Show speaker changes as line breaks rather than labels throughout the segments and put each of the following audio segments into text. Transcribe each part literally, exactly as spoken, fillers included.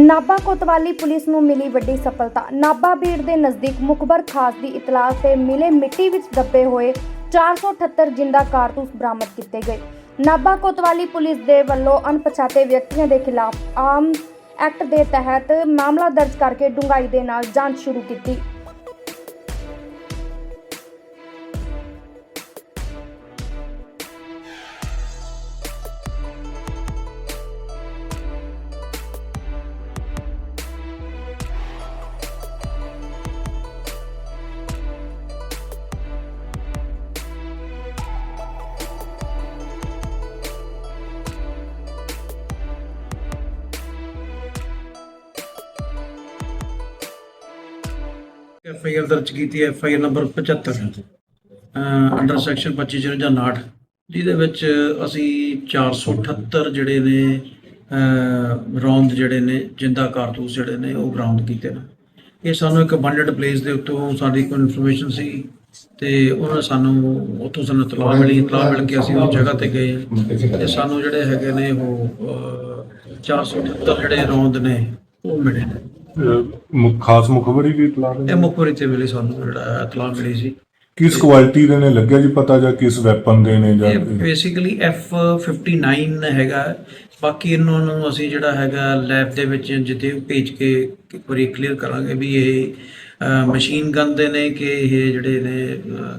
ਨਾਭਾ ਕੋਤਵਾਲੀ police ਨੂੰ ਮਿਲੀ ਵੱਡੀ ਸਫਲਤਾ। ਨਾਭਾ ਬੀੜ ਦੇ ਨਜ਼ਦੀਕ ਮੁਖਬਰ ਖਾਸ ਦੀ ਇਤਲਾਹ ਤੇ ਮਿਲੇ ਮਿੱਟੀ ਵਿੱਚ ਦੱਬੇ ਹੋਏ ਚਾਰ ਸੌ ਅਠੱਤਰ ਜਿੰਦਾ ਕਾਰਤੂਸ ਬਰਾਮਦ ਕੀਤੇ ਗਏ। ਨਾਭਾ ਕੋਤਵਾਲੀ ਪੁਲਿਸ ਦੇ ਵੱਲੋਂ ਅਣਪਛਾਤੇ ਵਿਅਕਤੀਆਂ ਦੇ ਖਿਲਾਫ ਆਮ ਐਕਟ ਦੇ ਤਹਿਤ ਮਾਮਲਾ ਦਰਜ ਕਰਕੇ ਡੂੰਘਾਈ ਦੇ ਨਾਲ ਜਾਂਚ ਸ਼ੁਰੂ ਕੀਤੀ।
एफ आई आर दर्ज की एफ आई आर नंबर पचहत्तर अंडर सैक्शन पच्ची चौंजा नाठ जिहदे विच असी चार सौ अठहत्तर जिहड़े ने रौंद जिहड़े ने जिंदा कारतूस जिहड़े ने वो बरामद कीते ने। ये सानू एक अबंडेंट प्लेस दे उत्तों साडी कोई इन्फॉर्मेशन सी ते उन्होंने सानू उत्थों सानू इतलाह मिली। इतलाह मिल के असी उस जगह ते गए ते सानू जिहड़े हैगे ने वो चार सौ अठहत्तर जिहड़े रौंद ने वो मिले ने।
ਖਾਸ ਮੁਖਬਰੀ ਦੀ ਇਤਲਾਹ
ਇਹ ਮੁਖਬਰੀ ਤੇ ਮਿਲੀ ਸਾਨੂੰ ਜਿਹੜਾ ਇਤਲਾਹ ਮਿਲੀ ਸੀ।
ਕਿਸ ਕੁਆਲਿਟੀ ਦੇ ਨੇ ਲੱਗਿਆ ਜੀ ਪਤਾ ਜਾਂ ਕਿਸ ਵੈਪਨ ਦੇ ਨੇ ਜਾਂ
ਬੇਸਿਕਲੀ ਐਫ ਫਿਫਟੀ ਨਾਈਨ ਹੈਗਾ। ਬਾਕੀ ਇਹਨਾਂ ਨੂੰ ਅਸੀਂ ਜਿਹੜਾ ਹੈਗਾ ਲੈਬ ਦੇ ਵਿੱਚ ਜਿੱਥੇ ਭੇਜ ਕੇ ਇੱਕ ਵਾਰੀ ਕਲੀਅਰ ਕਰਾਂਗੇ ਵੀ ਇਹ ਮਸ਼ੀਨ ਗਨ ਦੇ ਨੇ ਕਿ ਇਹ ਜਿਹੜੇ ਨੇ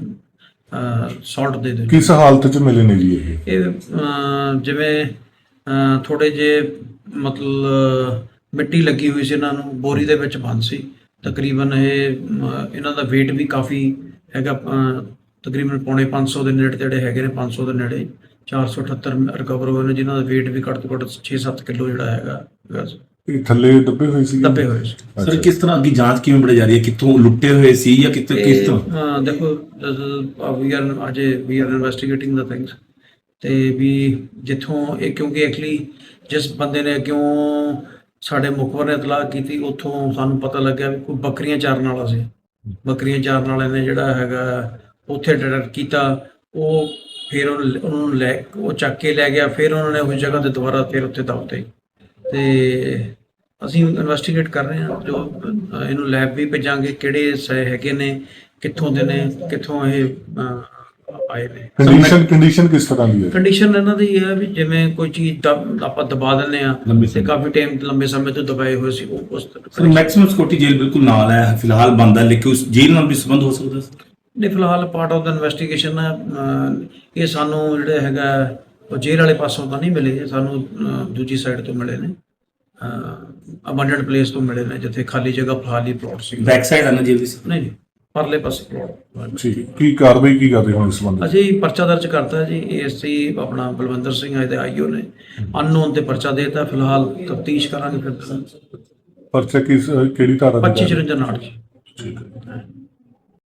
ਸੌਲਟ ਦੇ ਦੇ।
ਕਿਸ ਹਾਲਤ 'ਚ ਮਿਲੇ ਨੇ ਜੀ ਇਹ?
ਇਹ ਜਿਵੇਂ ਥੋੜੇ ਜੇ ਮਤਲਬ ਮਿੱਟੀ ਲੱਗੀ ਹੋਈ ਸੀ, ਇਹਨਾਂ ਨੂੰ ਬੋਰੀ ਦੇ ਵਿੱਚ ਬੰਦ ਸੀ। ਤਕਰੀਬਨ ਇਹ ਇਹਨਾਂ ਦਾ weight ਵੀ ਕਾਫੀ ਹੈਗਾ, ਤਕਰੀਬਨ ਪੌਣੇ ਪੰਜ ਸੌ ਦੇ ਨੇੜੇ ਤੇੜੇ ਹੈਗੇ ਨੇ। ਪੰਜ ਸੌ ਦੇ ਨੇੜੇ ਚਾਰ ਸੌ ਅਠੱਤਰ ਰਿਕਵਰ ਹੋਏ ਨੇ ਜਿਨ੍ਹਾਂ ਦਾ weight ਵੀ ਘੱਟ ਤੋਂ ਘੱਟ ਛੇ ਸੱਤ ਕਿਲੋ ਜਿਹੜਾ ਹੈਗਾ
ਇਹ ਥੱਲੇ ਦੱਬੇ ਹੋਏ ਸੀ
ਦੱਬੇ ਹੋਏ ਸੀ।
ਸਰ ਕਿਸ ਤਰ੍ਹਾਂ ਅੱਗੇ ਜਾਂਚ ਕਿਵੇਂ ਬੜੀ ਜਾ ਰਹੀ ਹੈ? ਕਿੱਥੋਂ ਲੁੱਟੇ ਹੋਏ ਸੀ ਜਾਂ ਕਿੱਥੇ ਕਿਸ ਤਰ੍ਹਾਂ?
ਦੇਖੋ ਵੀ ਆਰ ਅਜੇ we are investigating the things ਤੇ ਵੀ ਜਿੱਥੋਂ ਇਹ ਕਿਉਂਕਿ ਐਕਚੁਅਲੀ ਜਿਸ ਬੰਦੇ ਨੇ ਕਿਉਂ ਸਾਡੇ ਮੁਖਬਰ ਨੇ ਇਤਲਾਹ ਕੀਤੀ ਉੱਥੋਂ ਸਾਨੂੰ ਪਤਾ ਲੱਗਿਆ ਵੀ ਕੋਈ ਬੱਕਰੀਆਂ ਚਾਰਨ ਵਾਲਾ ਸੀ। ਬੱਕਰੀਆਂ ਚਾਰਨ ਵਾਲੇ ਨੇ ਜਿਹੜਾ ਹੈਗਾ ਉੱਥੇ ਡਿਟੈਕਟ ਕੀਤਾ। ਉਹ ਫਿਰ ਉਹਨਾਂ ਨੂੰ ਲੈ ਉਹ ਚੱਕ ਕੇ ਲੈ ਗਿਆ। ਫਿਰ ਉਹਨਾਂ ਨੇ ਉਸ ਜਗ੍ਹਾ 'ਤੇ ਦੁਬਾਰਾ ਫਿਰ ਉੱਥੇ ਦੱਬਤੇ ਤੇ ਅਸੀਂ ਇਨਵੈਸਟੀਗੇਟ ਕਰ ਰਹੇ ਹਾਂ। ਜੋ ਇਹਨੂੰ ਲੈਬ ਵੀ ਭੇਜਾਂਗੇ ਕਿਹੜੇ ਸ ਹੈਗੇ ਨੇ, ਕਿੱਥੋਂ ਦੇ ਨੇ, ਕਿੱਥੋਂ ਇਹ ਆਏ ਨੇ।
ਕੰਡੀਸ਼ਨ ਕੰਡੀਸ਼ਨ ਕਿਸ ਤਰ੍ਹਾਂ ਦੀ ਹੈ?
ਕੰਡੀਸ਼ਨ ਇਹਨਾਂ ਦੀ ਇਹ ਹੈ ਵੀ ਜਿਵੇਂ ਕੋਈ ਚੀਜ਼ ਆਪਾਂ ਦਬਾ ਦਿੰਦੇ ਆ ਤੇ ਕਾਫੀ ਟਾਈਮ ਲੰਬੇ ਸਮੇਂ ਤੋਂ ਦਬਾਏ ਹੋਏ ਸੀ ਉਹ ਉਸ
ਸਰ ਮੈਕਸਿਮਮ ਸਿਕਿਉਰਿਟੀ ਜੇਲ੍ਹ ਬਿਲਕੁਲ ਨਾਲ ਹੈ ਫਿਲਹਾਲ ਬੰਦ ਹੈ, ਲੇਕਿਨ ਉਸ ਜੇਲ੍ਹ ਨਾਲ ਵੀ ਸੰਬੰਧ ਹੋ ਸਕਦਾ ਸਰ?
ਨਹੀਂ, ਫਿਲਹਾਲ ਪਾਰਟ ਆਫ ਦਾ ਇਨਵੈਸਟੀਗੇਸ਼ਨ ਹੈ। ਇਹ ਸਾਨੂੰ ਜਿਹੜਾ ਹੈਗਾ ਉਹ ਜੇਲ੍ਹ ਵਾਲੇ ਪਾਸੋਂ ਤਾਂ ਨਹੀਂ ਮਿਲੇ, ਸਾਨੂੰ ਦੂਜੀ ਸਾਈਡ ਤੋਂ ਮਿਲੇ ਨੇ, ਅਬੰਡੈਂਟ ਪਲੇਸ ਤੋਂ ਮਿਲੇ ਨੇ ਜਿੱਥੇ ਖਾਲੀ ਜਗ੍ਹਾ ਖਾਲੀ ਪਲਾਟ ਸੀ।
ਬੈਕ ਸਾਈਡ ਆਣਾ ਜੇਲ੍ਹ ਦੀ? ਨਹੀਂ
ਨਹੀਂ, ਪਰਲੇ ਪਾਸੇ ਪਲਾਟ।
ਠੀਕ, ਕੀ ਕਾਰਵਾਈ ਕੀ ਕਰਦੇ ਹੋ ਇਸ ਸੰਬੰਧ?
ਅਸੀਂ ਪਰਚਾ ਦਰਜ ਕਰਤਾ ਜੀ। ਏਐਸਸੀ ਆਪਣਾ ਬਲਵਿੰਦਰ ਸਿੰਘ ਆਏ ਤੇ ਆਈਓ ਨੇ ਅਨਨੋਨ ਤੇ ਪਰਚਾ ਦੇਤਾ। ਫਿਲਹਾਲ ਤਫਤੀਸ਼ ਕਰਾਂਗੇ ਫਿਰ।
ਪਰਚਾ ਕਿਸ ਕਿਹੜੀ ਧਾਰਾ?
ਪੱਚੀ ਚੌਂਜਾ ਨਾਟ।
ਠੀਕ ਹੈ।